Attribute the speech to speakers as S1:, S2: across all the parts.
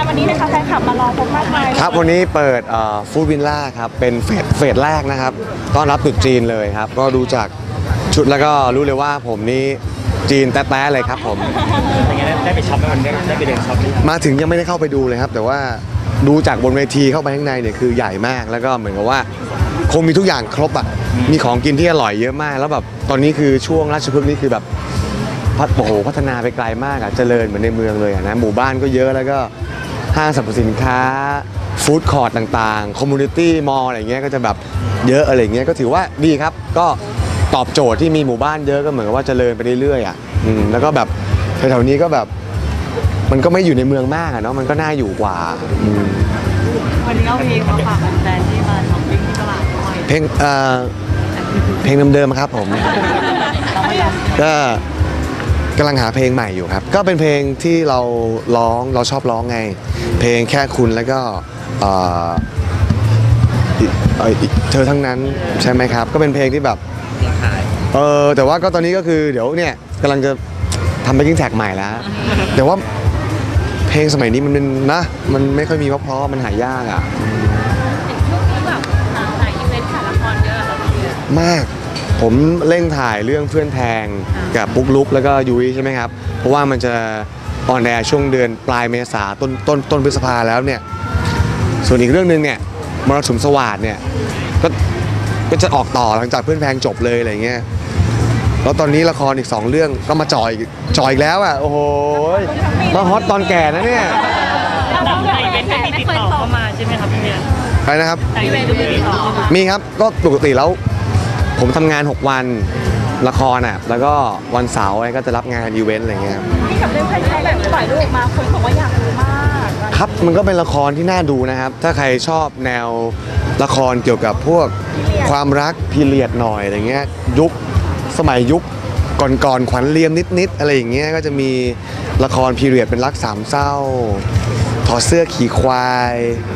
S1: วันนี้นะคะแฟนคลับมารอพบมากมาย
S2: ครับวันนี้เปิดฟู้ดวิลล่าครับเป็นเฟสแรกนะครับต้อนรับตรุษจีนเลยครับก็ดูจากชุดแล้วก็รู้เลยว่าผมนี่จีนแต๊ะๆเลยครับผม
S3: เป็นไงได้ไปช็อปไหมมันได้ไปเดินช็อป
S2: มาถึงยังไม่ได้เข้าไปดูเลยครับแต่ว่าดูจากบนเวทีเข้าไปข้างในเนี่ยคือใหญ่มากแล้วก็เหมือนกับว่าคงมีทุกอย่างครบอ่ะมีของกินที่อร่อยเยอะมากแล้วแบบตอนนี้คือช่วงราชพฤกษ์นี่คือแบบพัฒนาไปไกลมากอ่ะเจริญเหมือนในเมืองเลยนะหมู่บ้านก็เยอะแล้วก็ห้างสรรพสินค้าฟู้ดคอร์ทต่างๆคอมมูนิตี้มอลล์อะไรเงี้ยก็จะแบบเยอะอะไรเงี้ยก็ถือว่าดีครับก็ตอบโจทย์ที่มีหมู่บ้านเยอะก็เหมือนกับว่าเจริญไปเรื่อยๆอ่ะแล้วก็แบบแถวๆนี้ก็แบบมันก็ไม่อยู่ในเมืองมากอะเนาะมันก็น่าอยู่กว่า
S1: วันนี้เอาเพลงมาฝากแฟนที่มาช้อปปิ้งที่ตลาดด้วย
S2: เพลงเดิมๆครับผมก็กำลังหาเพลงใหม่อยู่ครับก็เป็นเพลงที่เราชอบร้องไงเพลงแค่คุณแล้วก็เธอทั้งนั้นใช่ไหมครับก็เป็นเพลงที่แบบแต่ว่าก็ตอนนี้ก็คือเดี๋ยวเนี่ยกำลังจะทำแบ็คกิ้งแท็กใหม่แล้วแต่ว่าเพลงสมัยนี้มันเป็นนะมันไม่ค่อยมีเพราะมันหายากอ่ะมากผมเร่งถ่ายเรื่องเพื่อนแทงกับปุ๊กลุกแล้วก็ยุ้ยใช่ไหมครับเพราะว่ามันจะออนแอร์ช่วงเดือนปลายเมษาต้นพฤษภาแล้วเนี่ยส่วนอีกเรื่องนึงเนี่ยมรสุมสวัสดเนี่ยก็จะออกต่อหลังจากเพื่อนแพงจบเลยอะไรเงี้ยแล้วตอนนี้ละครอีก2เรื่องก็มาจ่อยอีกแล้วอ่ะโอ้โหมาฮอตตอนแก่นะเนี่ย
S1: ไม่ติดต่อเข้ามาใช่ไหมครับพี่เนี่ย
S2: ใครนะครับมีครับก็ปกติแล้วผมทำงาน6วันละครอ่ะแล้วก็วันเสาร์ก็จะรับงานอีเวนต์อะไรเงี้ย
S1: ที่กับเรื่องใครแบบปล่อยรูปมาคนบอกว่าอยากดูมาก
S2: ครับมันก็เป็นละครที่น่าดูนะครับถ้าใครชอบแนวละครเกี่ยวกับพวกความรักพีเรียดหน่อยอะไรเงี้ยสมัยยุคก่อนขวัญเลียมนิดอะไรอย่างเงี้ยก็จะมีละครพีเรียดเป็นรักสามเศร้าถอดเสื้อขี่ควาย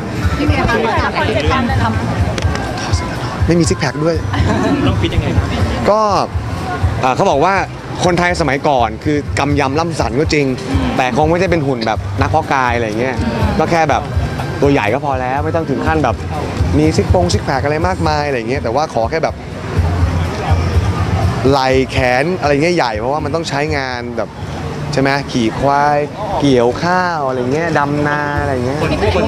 S2: ไม่มีซิกแพคด้วย
S3: ต้องฟิตยังไง
S2: ก็เขาบอกว่าคนไทยสมัยก่อนคือกำยำล่ำสันก็จริงแต่คงไม่ได้เป็นหุ่นแบบนักเพาะกายอะไรเงี้ยก็แค่แบบตัวใหญ่ก็พอแล้วไม่ต้องถึงขั้นแบบมีซิกแพคอะไรมากมายอะไรเงี้ยแต่ว่าขอแค่แบบไหล่แขนอะไรเงี้ยใหญ่เพราะว่ามันต้องใช้งานแบบใช่ไหมขี่ควายเกี่ยวข้าวอะไรเงี้ยดำนาอะไรเงี้ย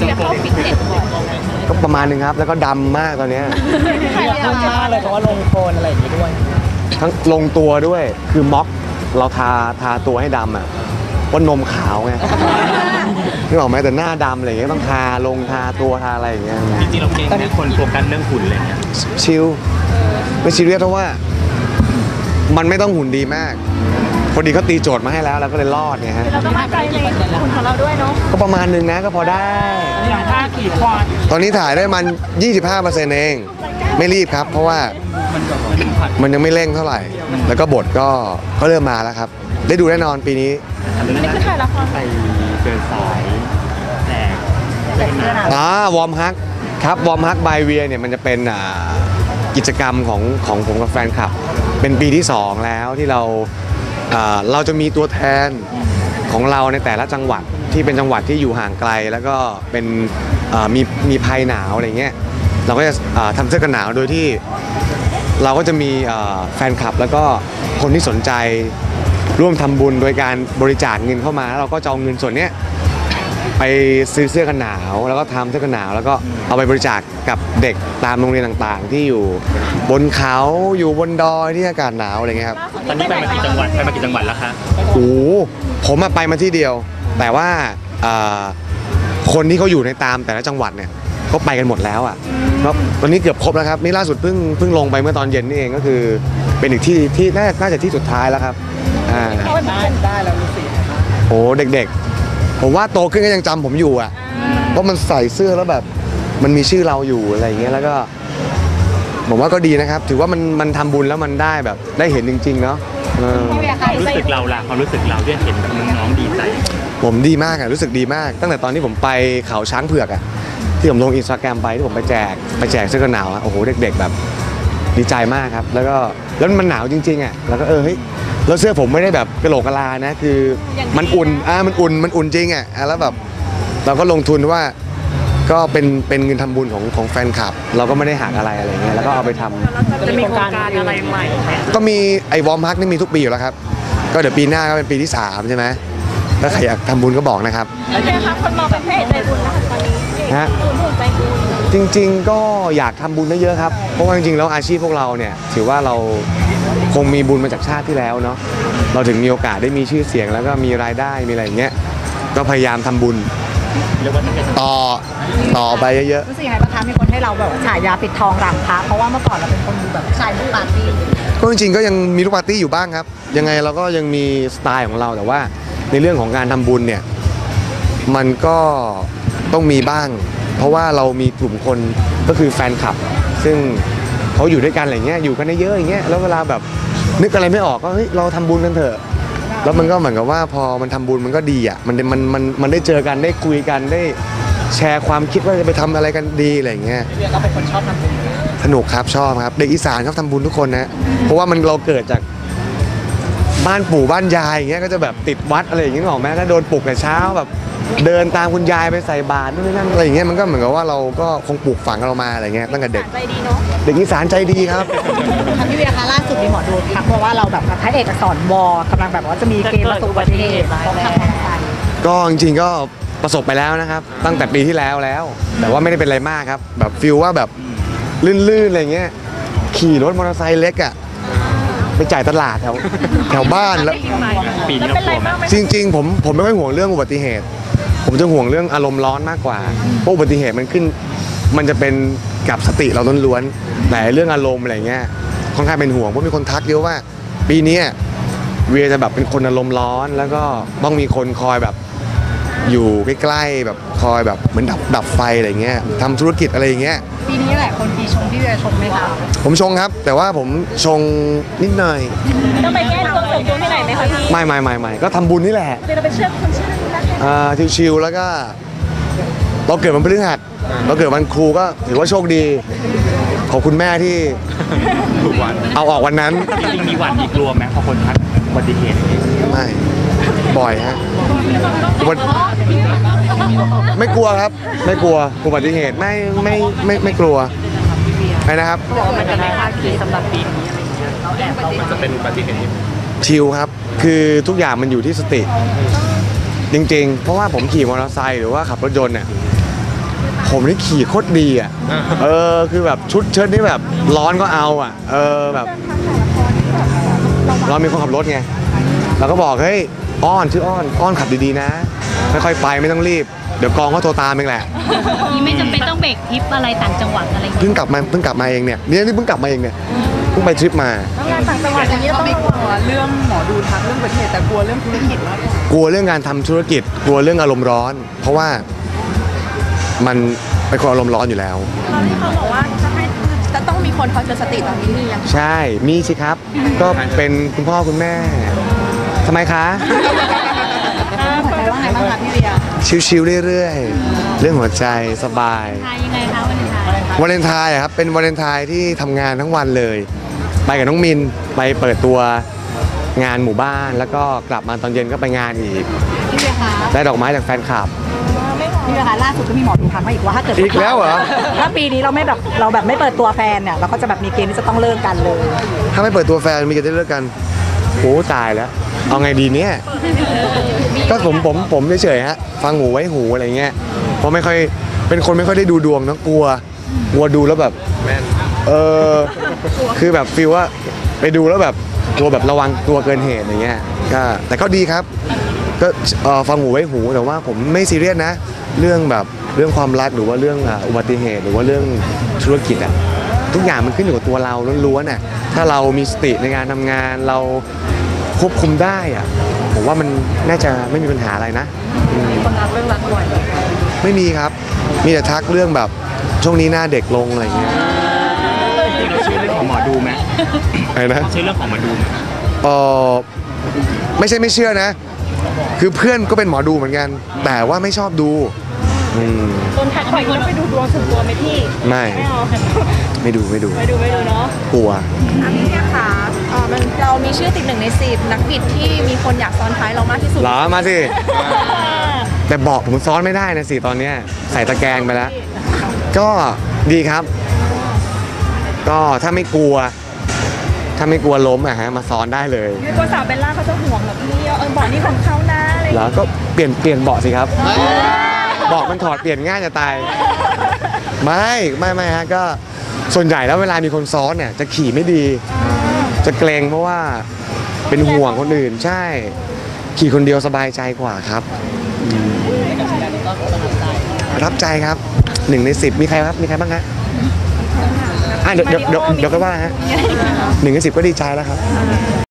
S2: ก็ประมาณนึงครับแล้วก็ดำมากตอนนี้
S3: ดำมากเลยเพราะว่าลงโคลนอะไรอย่างนี้ด้วย
S2: ทั้งลงตัวด้วยคือม็อกเราทาตัวให้ดำอ่ะว่านมขาวไงนึกออกไหมแต่หน้าดำอะไรเงี้ยต้องทาตัวทาอะไรอย่างเงี้ย
S3: จริงๆเราเก่งนะคนโฟกัสเรื่องหุ่นเลยเนี่ย
S2: ชิลไม่ซีเรียสเพราะว่ามันไม่ต้องหุ่นดีมากพอดีเขาตีโจทย์มาให้แล้วก็เลยรอดไงฮะ
S1: เราต้องมั่นใจในหุ่นของเราด้วยเนาะ
S2: ก็ประมาณนึงนะก็พอได้
S3: อย่างท่าขี่ควาย
S2: ตอนนี้ถ่ายได้มัน 25% เองไม่รีบครับเพราะว่ามันยังไม่เร่งเท่าไหร่แล้วก็บทก็เริ่มมาแล้วครับได้ดูแน่นอนปีนี้
S1: นี่คือถ่ายละคร
S3: ไปเดินสายแจก
S2: วอร์มฮักครับวอร์มฮักบายเวียเนี่ยมันจะเป็นกิจกรรมของผมกับแฟนคลับเป็นปีที่2แล้วที่เราจะมีตัวแทนของเราในแต่ละจังหวัดที่เป็นจังหวัดที่อยู่ห่างไกลแล้วก็เป็นมีภัยหนาวอะไรเงี้ยเราก็จะทำเสื้อกันหนาวโดยที่เราก็จะมีแฟนคลับแล้วก็คนที่สนใจร่วมทำบุญโดยการบริจาคเงินเข้ามาแล้วเราก็จะเอาเงินส่วนนี้ไปซื้อเสื้อกันหนาวแล้วก็ทำเสื้อกันหนาวแล้วก็เอาไปบริจาคกับเด็กตามโรงเรียนต่างๆที่อยู่บนเขาอยู่บนดอยที่อากาศหนาวอะไรเงี้ยครับ
S3: ตอนนี้ไปมากี่จังหวัดแล้วคะ
S2: โอ้ผมไปมาที่เดียวแต่ว่าคนที่เขาอยู่ในตามแต่ละจังหวัดเนี่ยเขาไปกันหมดแล้วอ่ะก็ตอนนี้เกือบครบแล้วครับนี่ล่าสุดเพิ่งลงไปเมื่อตอนเย็นนี่เองก็คือเป็นอีกที่น่าจะที่สุดท้ายแล้วครับ
S3: ได้แล้วรู้สึก
S2: โอ้เด็กๆผมว่าโตขึ้นก็ยังจำผมอยู่อ่ะเพราะมันใส่เสื้อแล้วแบบมันมีชื่อเราอยู่อะไรอย่างเงี้ยแล้วก็ผมว่าก็ดีนะครับถือว่ามันทำบุญแล้วมันได้แบบได้เห็นจริงๆเนาะ
S3: รู้สึกเราล่ะความรู้สึกเราที่เห็นน้องดีใจ
S2: ผมดีมากอ่ะรู้สึกดีมากตั้งแต่ตอนที่ผมไปเขาช้างเผือกอ่ะที่ผมลงอินสตาแกรมไปที่ผมไปแจกเสื้อกันหนาวโอ้โหเด็กๆแบบดีใจมากครับแล้วมันหนาวจริงๆอ่ะแล้วก็เฮ้ยแล้วเสื้อผมไม่ได้แบบกระโหลกกะลานะคือมันอุ่นมันอุ่นจริงอ่ะแล้วแบบเราก็ลงทุนว่าก็เป็นเงินทำบุญของแฟนคลับ เราก็ไม่ได้หักอะไรเงี้ยแล้วก็เอาไปทำ
S1: จะมีโครงการอะไรใหม่ไหม
S2: ก็มีไอ้วอร์มฮักนี่มีทุกปีอยู่แล้วครับก็เดี๋ยวปีหน้าก็เป็นปีที่3ใช่ไหมถ้าใครอยากทำบุญก็บอกนะครับ
S4: แล้วเนี่ยค่ะคนมองเป็นพระเอกใจบุญนะคะตอนนี้
S2: ฮะ
S4: หุ่นใจบุญ
S2: จริงๆก็อยากทำบุญเยอะๆครับเพราะว่าจริงๆแล้วอาชีพพวกเราเนี่ยถือว่าเราคงมีบุญมาจากชาติที่แล้วเนาะเราถึงมีโอกาสได้มีชื่อเสียงแล้วก็มีรายได้มีอะไรอย่างเงี้ยก็พยายามทำบุญ
S3: เรียกว่าจะเป็น
S2: ต่อไปเยอะ
S1: รู้สึกยังไงบ้างคะมีคนให้เราแบบฉายาปิดทองหลังพระเพราะว่าเมื่อก่อนเราเป็นคนดูแบบชายลูกปาร์ตี้
S2: ๆก็จริงๆก็ยังมีลูกปาร์ตี้อยู่บ้างครับยังไงเราก็ยังมีสไตล์ของเราแต่ว่าในเรื่องของการทำบุญเนี่ยมันก็ต้องมีบ้าง เพราะว่าเรามีกลุ่มคนก็คือแฟนคลับ ซึ่งเขาอยู่ด้วยกันอะไรเงี้ยอยู่กันได้เยอะอย่างเงี้ยแล้วเวลาแบบนึกอะไรไม่ออกก็เฮ้ยเราทำบุญกันเถอะแล้วมันก็เหมือนกับว่าพอมันทำบุญมันก็ดีอ่ะมันได้เจอกันได้คุยกันได้แชร์ความคิดว่าจะไปทำอะไรกันดีอะไรเงี้ย
S1: เวียก็เป็นคนชอบทำบุญ
S2: สนุกครับชอบครับเด็กอีสานชอบทำบุญทุกคนนะเพราะว่ามันเราเกิดจากบ้านปู่บ้านยายอย่างเงี้ยก็จะแบบติดวัดอะไรอย่างเงี้ยหรอกแม้ถ้าโดนปลุกแต่เช้าแบบเดินตามคุณยายไปใส่บาตรนู่นนี่นั่นอะไรอย่างเงี้ยมันก็เหมือนกับว่าเราก็คงปลูกฝังเรามาอะไรเงี้ยตั้งแต่เด็ก
S4: ใจดีเนาะ
S2: เด็กอีสานใจดีครับ
S1: ทางพี่เวียคะล่าสุดมีหมอดูทักมาว่าเราแบบพระเอกอักษรวกำลังแบบว่าจะมีเกณฑ์ประสบอุบัติเหตุเพราะขับมอเตอร์ไซค์
S2: ก็จริงๆก็ประสบไปแล้วนะครับ ตั้งแต่ปีที่แล้ว แต่ว่าไม่ได้เป็นอะไรมากครับ แบบฟิลว่าแบบลื่นๆอะไรเงี้ยขี่รถมอเตอร์ไซค์เล็กอ่ะไปจ่ายตลาดแถวบ้านแล้ว
S3: ปีนี้เรากลัวไหม
S2: จริงๆผมไม่ค่อยห่วงเรื่องอุบัติเหตุ ผมจะห่วงเรื่องอารมณ์ร้อนมากกว่าเพราะอุบัติเหตุมันจะเป็นกับสติเราล้วนๆแต่เรื่องอารมณ์อะไรเงี้ยค่อนข้างเป็นห่วงเพราะมีคนทักเยอะว่า ปีนี้เวียจะแบบเป็นคนอารมณ์ร้อน แล้วก็ต้องมีคนคอยแบบอยู่ใกล้ๆแบบคอยแบบเหมือนดับไฟอะไรเงี้ยทำธุรกิจอะไรอย่างเงี้ย
S1: ปีนี้แหละคนปีชงพี่เวียชงไหมคะ
S2: ผมชงครับ แต่ว่าผมชงนิดหน่อย
S4: ต้องไปแก้ตัวเสริมดวงที่ไหนไหมคะพี่
S2: ไม่ก็ทำบุญนี่แหละ
S4: เดี๋ยวเราไปเชื่อคนชื่อนั้นนะคะ
S2: ชิวๆแล้วก็เราเกิดวันพฤหัสเราเกิดวันครูก็ถือว่าโชคดีขอบคุณแม่ที่
S3: ถูกวัน
S2: เอาออกวันนั้น
S3: จริงๆมีหวั่นมีกลัวไหมพอคนทักอุบัติเหตุอย่างนี้
S2: ไม่บ่อยฮะไม่กลัวครับ ไม่กลัวอุบัติเหตุไม่กลัวไม่นะครับ
S1: บอกว่ามันจะไม่คาดคิดสำหรับปีนี้อะไรอย่างเงี้ยเราแอบเรา
S3: มันจะเป็นอุบัติเหตุที่
S2: ชิลครับ คือทุกอย่างมันอยู่ที่สติ จริงๆ เพราะว่าผมขี่มอเตอร์ไซค์หรือว่าขับรถยนต์เนี่ยผมนี่ขี่โคตรดีอ่ะคือแบบชุดเชิ้ตนี่แบบร้อนก็เอาอ่ะแบบเรามีคนขับรถไงเราก็บอกเฮ้ยชื่ออ้อนขับดีๆนะค่อยๆไปไม่ต้องรีบเดี๋ยวกองเขาโทรตามเองแหละ
S5: นี่ไม่จำเป็นต้องเบรกทริปอะไรต่างจังหวัดอะไรอย่าง
S2: เพิ่
S5: เงี้ย
S2: งกลับมาเองเนี่ยนี่เพิ่งกลับมาเองเนี่ยเพิ่งไปทริปมา
S1: งานต่างจังหวัดอย่างนี้เราไม่กลัวเรื่องหมอดูทักเรื่องอุบัติเหตุแต่กลัวเรื่องธุรกิจมากกว่าก
S2: ลัวเรื่องการทำธุรกิจกลัวเรื่องอารมณ์ร้อน เพราะว่ามันเป็นคนอารมณ์ร้อนอยู่แล้ว
S4: ตอนที่เขาบอกว่าจะต้องมีคนคอยเตือนสติตอนนี้มียัง
S2: ใช่มีสิครับ ก็เป็นคุณพ่อคุณแม่ทำไมคะ
S1: หัวใจว่าไงบ้างคะพี่เวีย
S2: ชิวๆเรื่อยๆเรื่องหัวใจสบาย
S5: ทายยังไงคะวันนี้ทาย
S2: วาเลนไทน์อะครับเป็นวาเลนไทน์ที่ทำงานทั้งวันเลย ไปกับน้องมินไปเปิดตัวงานหมู่บ้าน แล้วก็กลับมาตอนเย็นก็ไปงานอีก
S1: พี่เวียคะ
S2: ได้ดอกไม้จากแฟนคลับ
S1: พี่เวียคะล่าสุดก็มีหมอดูทักมาอีกว่าถ้าเกิด
S2: อีกแล้วเหรอ
S1: ถ้าปีนี้เราแบบไม่เปิดตัวแฟนเนี่ยเราก็จะแบบมีเกณฑ์ที่จะต้องเลิกกันเลย
S2: ถ้าไม่เปิดตัวแฟนมีกันได้เลิกกันโอ้ตายแล้ว เอาไงดีเนี่ยก็ผมเฉยๆฮะฟังหูไว้หูอะไรเงี้ยเพราะไม่ค่อยเป็นคนไม่ค่อยได้ดูดวงเนอะกลัวดูแล้วแบบคือแบบฟีลว่าไปดูแล้วแบบกลัวแบบระวังตัวเกินเหตุอย่างเงี้ยก็แต่ก็ดีครับก็ฟังหูไว้หูแต่ว่าผมไม่ซีเรียสนะ เรื่องแบบเรื่องความรักหรือว่าเรื่องอุบัติเหตุหรือว่าเรื่องธุรกิจอะทุกอย่างมันขึ้นอยู่กับตัวเราล้วนๆน่ะถ้าเรามีสติในการทำงานเราควบคุมได้อะผมว่ามันน่าจะไม่มีปัญหาอะไรนะ
S1: มีคนทักเรื่องรักบ่อย
S2: ไม่มีครับ มีแต่ทักเรื่องแบบช่วงนี้หน้าเด็กลงอะไรเงี้ย
S3: จริงเราเชื่อเรื่องของหมอดูไหม
S2: อะไรนะ
S3: เชื่อเรื่องของหมอดูไหม
S2: เออไม่ใช่ไม่เชื่อนะ คือเพื่อนก็เป็นหมอดูเหมือนกัน แต่ว่าไม่ชอบดู
S4: โดนทักบ่อยแล้วไปดูดวงส่วนตัวไหมพี่
S2: ไม่ ไม่ดู
S4: ไปดูเนาะ
S2: กลัว
S4: พี่เนี่ยค่ะเรามีชื่อติด1 ใน 10นักบิดที่มีคนอยากซ้อนท้ายเรามากที่สุด
S2: เหรอมาสิแต่เบาะผมซ้อนไม่ได้นะสิตอนเนี้ยใส่ตะแกรงไปแล้ว ก็ดีครับ ก็ถ้าไม่กลัวล้มอะฮะมาซ้อนได้เลย
S4: ตัวสาวเบลล่าเขาจะห่วงแบบนี้บอกนี่ของเขานะอะไรอย่าง
S2: แล้
S4: เงี้ยว
S2: ก็เปลี่ยนเบาะสิครับเบาะมันถอดเปลี่ยนง่ายจะตายไม่ฮะก็ส่วนใหญ่แล้วเวลามีคนซ้อนเนี่ยจะขี่ไม่ดี จะเกรงเพราะว่าเป็นห่วงคนอื่นใช่ ขี่คนเดียวสบายใจกว่าครับประทับใจครับ1 ใน 10มีใครครับมีใครบ้างฮะเดี๋ยวก็ว่าฮะ1 ใน 10ก็ดีใจแล้วครับ